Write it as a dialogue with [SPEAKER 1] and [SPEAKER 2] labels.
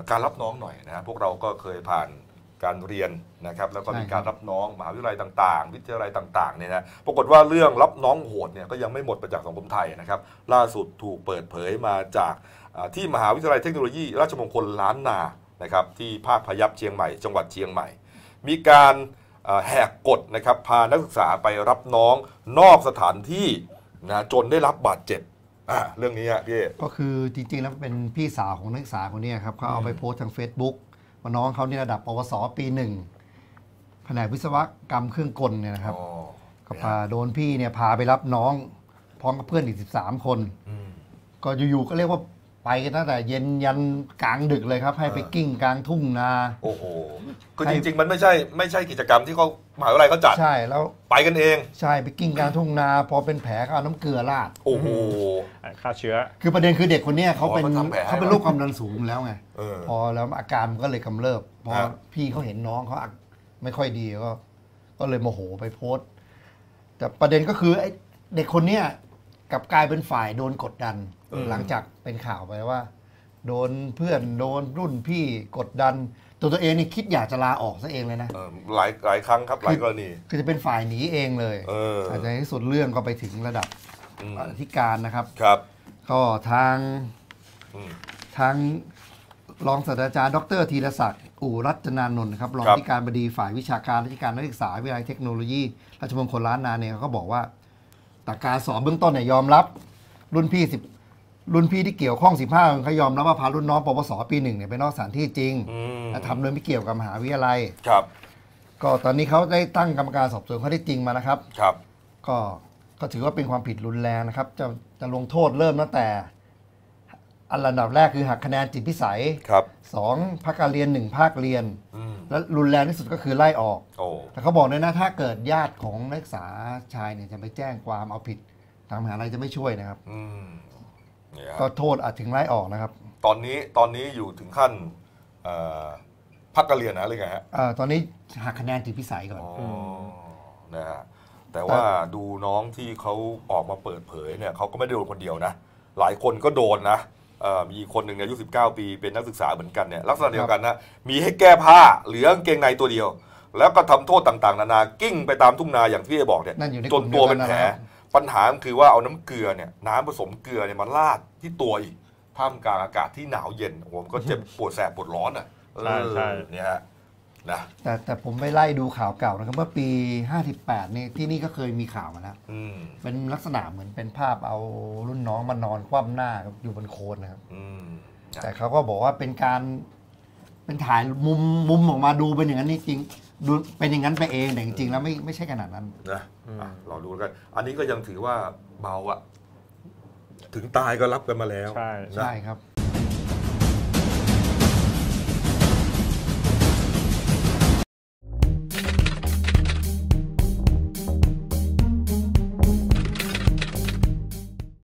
[SPEAKER 1] การรับน้องหน่อยนะพวกเราก็เคยผ่านการเรียนนะครับแล้วก็มีการรับน้องมหาวิทยาลัยต่างๆวิทยาลัยต่างๆเนี่ยนะปรากฏว่าเรื่องรับน้องโหดเนี่ยก็ยังไม่หมดไปจากสังคมไทยนะครับล่าสุดถูกเปิดเผยมาจากที่มหาวิทยาลัยเทคโนโลยีราชมงคลล้านนานะครับที่ภาคพยัพเชียงใหม่จังหวัดเชียงใหม่มีการแหกกฎนะครับพานักศึกษาไปรับน้องนอกสถานที่นะจนได้รับบาดเจ็บเรื่องนี้พี่
[SPEAKER 2] ก็คือจริงๆแล้วเป็นพี่สาวของนักศึกษาคนนี้ครับเขาเอาไปโพสต์ทาง Facebook ว่าน้องเขานี่ระดับปวสปีหนึ่งแผนกวิศวกรรมเครื่องกลเนี่ยนะครับก็พาโดนพี่เนี่ยพาไปรับน้องพร้อมกับเพื่อนอีก13 คนก็อยู่ๆก็เรียกว่าไปกันตั้งแต่เย็นยันกลางดึกเลยครับให้ไปกิ้งกลางทุ่งนา
[SPEAKER 1] โอ้โหคือจริงๆมันไม่ใช่กิจกรรมที่เขามหาวิทยาลัยเขาจัด
[SPEAKER 2] ใช่แล้ว
[SPEAKER 1] ไปกันเอง
[SPEAKER 2] ใช่ไปกิ้งกลางทุ่งนาพอเป็นแผลก็เอาน้ำเกลือราด
[SPEAKER 1] โอ้โห
[SPEAKER 3] ฆ่าเชื้อ
[SPEAKER 2] คือประเด็นคือเด็กคนนี้เขาเป็นโรคความดันสูงแล้วไงพอแล้วอาการมันก็เลยกำเริบพอพี่เขาเห็นน้องเขาไม่ค่อยดีก็เลยโมโหไปโพสต์แต่ประเด็นก็คือไอ้เด็กคนนี้กับกลายเป็นฝ่ายโดนกดดันหลังจากเป็นข่าวไปว่าโดนเพื่อนโดนรุ่นพี่กดดันตัวเองนี่คิดอยากจะลาออกซะเองเลยนะ
[SPEAKER 1] หลายครั้งครับหลายกรณี
[SPEAKER 2] คือจะเป็นฝ่ายหนีเองเลยอาจจะในที่สุดเรื่องก็ไปถึงระดับอธิการนะครับ
[SPEAKER 1] ครับ
[SPEAKER 2] ก็ทางรองศาสตราจารย์ดรธีรศักดิ์อู่รัตนานนท์ครับรองอธิการบดีฝ่ายวิชาการราชการนักศึกษาวิทยาลัยเทคโนโลยีราชมงคลล้านนาเนี่ยเขาก็บอกว่าแต่การสอบเบื้องต้นเนี่ยยอมรับรุ่นพี่ที่เกี่ยวข้อง15คนเขายอมรับว่าพารุ่นน้องปวสปี1เนี่ยไปนอกสถานที่จริงและทำโดยไม่เกี่ยวกับมหาวิทยาลัย
[SPEAKER 1] ครับ
[SPEAKER 2] ก็ตอนนี้เขาได้ตั้งกรรมการสอบสวนข้อเท็จจริงมานะครับ
[SPEAKER 1] ครับ
[SPEAKER 2] ก็ถือว่าเป็นความผิดรุนแรงนะครับจะลงโทษเริ่มตั้งแต่อันดับแรกคือหักคะแนนจิตพิสัย
[SPEAKER 1] ครับ
[SPEAKER 2] 2ภาคการเรียน1ภาคเรียนและรุนแรงที่สุดก็คือไล่ออกแต่เขาบอกด้วยนะถ้าเกิดญาติของนักศึกษาชายเนี่ยจะไปแจ้งความเอาผิดทางมหาวิทยาลัยจะไม่ช่วยนะครับก็โทษอาจถึงไล่ออกนะครับ
[SPEAKER 1] ตอนนี้อยู่ถึงขั้นพักการเรียนนะหรือไงฮะ
[SPEAKER 2] ตอนนี้หักคะแนนจิตพิสัยก่อน
[SPEAKER 1] นะฮะแต่ว่าดูน้องที่เขาออกมาเปิดเผยเนี่ยเขาก็ไม่ได้โดนคนเดียวนะหลายคนก็โดนนะมีคนหนึ่งอายุ19 ปีเป็นนักศึกษาเหมือนกันเนี่ยลักษณะเดียวกันนะมีให้แก้ผ้าเหลือกางเกงในตัวเดียวแล้วก็ทำโทษต่างๆนานากิ้งไปตามทุ่งนาอย่างที่บอกเนี่ยจนตัวเป็นแผลปัญหาคือว่าเอาน้ำเกลือเนี่ยน้ำผสมเกลือเนี่ยมาราดที่ตัวอีกท่ามกลางอากาศที่หนาวเย็นผมก็เจ็บปวดแสบปวดร้อนอ่ะ
[SPEAKER 3] ใช่
[SPEAKER 1] เนี่ยฮะนะ
[SPEAKER 2] แต่ผมไปไล่ดูข่าวเก่านะครับเมื่อปี58นี่ที่นี่ก็เคยมีข่าวมาแล้วเป็นลักษณะเหมือนเป็นภาพเอารุ่นน้องมานอนคว่ำหน้าอยู่บนโคลนนะครับแต่เขาก็บอกว่าเป็นการเป็นถ่ายมุมออกมาดูเป็นอย่างนั้นนี่จริงดูเป็นอย่างนั้นไปเองแต่จริงๆแล้วไม่ใช่ขนาดนั้น
[SPEAKER 1] นะเราดูกันอันนี้ก็ยังถือว่าเบาอะถึงตายก็รับกันมาแล้ว
[SPEAKER 2] ใช่ครับ